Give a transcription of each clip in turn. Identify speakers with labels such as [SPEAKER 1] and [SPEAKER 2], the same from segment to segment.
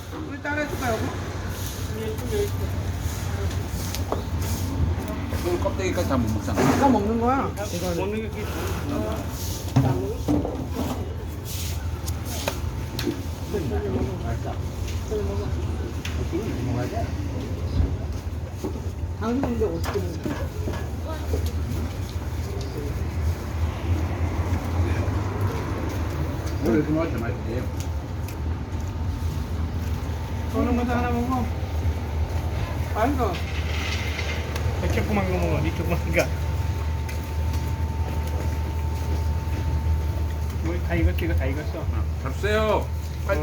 [SPEAKER 1] 우리 따라 해줄까 여보?
[SPEAKER 2] 그 껍데기까지 다 못 먹잖아.
[SPEAKER 1] 이거 먹는 거야? 이거는.
[SPEAKER 3] 먹는 게 그게
[SPEAKER 1] 당근인데 어떻게 먹는 거야?
[SPEAKER 2] 왜 이렇게 먹을 때 맛있지?
[SPEAKER 1] 저는 것도 하나 먹어. 맛있어.
[SPEAKER 3] 조그만 거 먹어. 니 조그만 거. 우리 다 익었어. 이거 다 익었어.
[SPEAKER 2] 잡수세요. 빨리.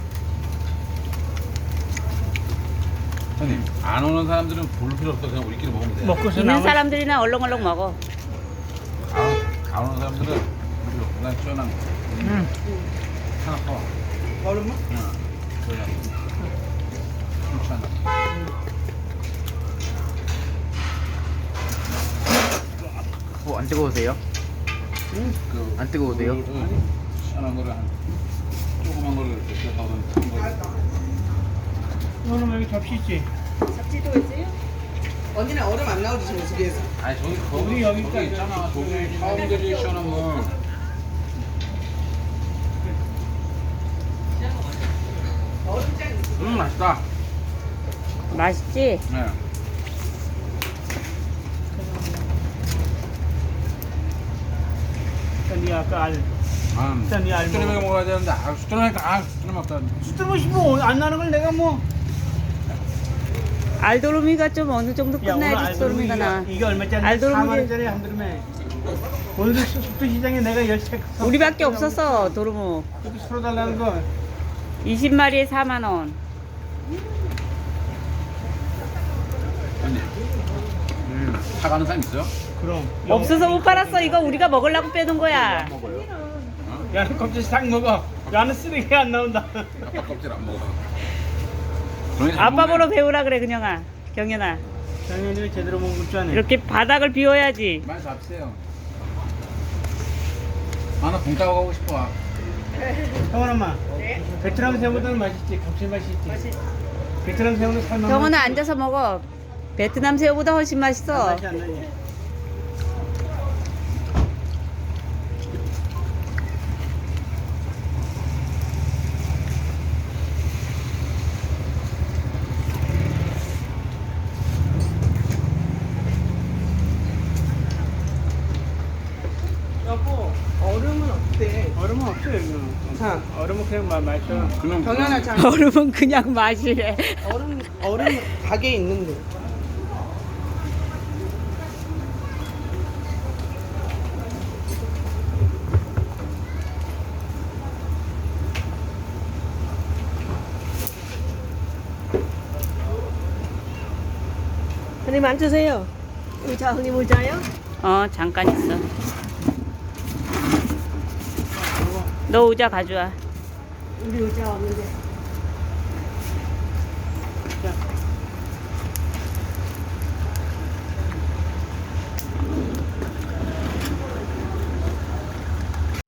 [SPEAKER 2] 형님, 안 오는 사람들은 볼 필요 없어. 그냥 우리끼리 먹으면 돼.
[SPEAKER 3] 먹고서
[SPEAKER 4] 있는
[SPEAKER 3] 남은
[SPEAKER 4] 사람들이나 얼렁얼렁 먹어.
[SPEAKER 2] 안 오는 사람들은 우리로 그냥 시원한 거. 하나 퍼.
[SPEAKER 1] 얼음만?
[SPEAKER 2] 응. 그냥. 괜찮아.
[SPEAKER 5] 안 뜨거우세요?
[SPEAKER 2] 그,
[SPEAKER 5] 안 뜨거우세요?
[SPEAKER 2] 시원한 거를 한 조그만 거를 이렇게 뜯어서 큰 거.
[SPEAKER 3] 이거는 여기 접시 있지?
[SPEAKER 1] 언니는 얼음 안 나오지 지금 집에서.
[SPEAKER 2] 아니 저기
[SPEAKER 3] 우리 여기
[SPEAKER 2] 거기 있잖아. 저기 사람들이 시원한 물. 맛있다.
[SPEAKER 4] 맛있지?
[SPEAKER 2] 네.
[SPEAKER 3] 니 아까 알. 일단 이 알고.
[SPEAKER 2] 수트레메 먹어야 되는데 수트레메 없다.
[SPEAKER 3] 수트맛이 뭐안 나는 걸 내가 뭐.
[SPEAKER 4] 알도루미가 좀 어느 정도
[SPEAKER 3] 야, 오늘
[SPEAKER 4] 끝나야지 수도루미가 나.
[SPEAKER 3] 이게 얼마짜리?
[SPEAKER 4] 알도루미
[SPEAKER 3] 4만 원짜리 한 드럼에. 오늘도 숙도 시장에 내가 열채.
[SPEAKER 4] 우리밖에 없었어 도루묵.
[SPEAKER 3] 여기 서로 달라는 거.
[SPEAKER 4] 20마리에 4만 원.
[SPEAKER 2] 언니. 사가는 사람 있어요?
[SPEAKER 3] 그럼.
[SPEAKER 4] 없어서 못 팔았어. 이거 우리가 먹으려고 빼둔 거야.
[SPEAKER 3] 야는 껍질 싹 먹어. 야는 쓰레기가 안 나온다.
[SPEAKER 2] 아빠 껍질 안 먹어.
[SPEAKER 4] 아빠 보러 배우라 그래 그냥아. 경연아.
[SPEAKER 3] 당연히 제대로 먹을 줄 아네.
[SPEAKER 4] 이렇게 바닥을 비워야지.
[SPEAKER 2] 많이 잡으세요. 나 봉 따고 가고 싶어.
[SPEAKER 3] 형원 엄마. 베트남 새우보다는 맛있지. 감칠맛이 있지. 베트남 새우는 살만.
[SPEAKER 4] 경은아 앉아서 먹어. 베트남 새우보다 훨씬 맛있어.
[SPEAKER 3] 맛이 안 나지.
[SPEAKER 1] 여보 얼음은 어때?
[SPEAKER 3] 얼음은 없어 여기는.
[SPEAKER 1] 자.
[SPEAKER 3] 얼음은 그냥 마셔.
[SPEAKER 2] 그냥
[SPEAKER 1] 경연아 자.
[SPEAKER 4] 얼음은 그냥 마시래.
[SPEAKER 1] 얼음 가게에 있는데.
[SPEAKER 6] 형님 앉으세요. 의자 형님 의자요?
[SPEAKER 4] 잠깐 있어. 너 의자 가져와.
[SPEAKER 6] 우리 의자 없는데.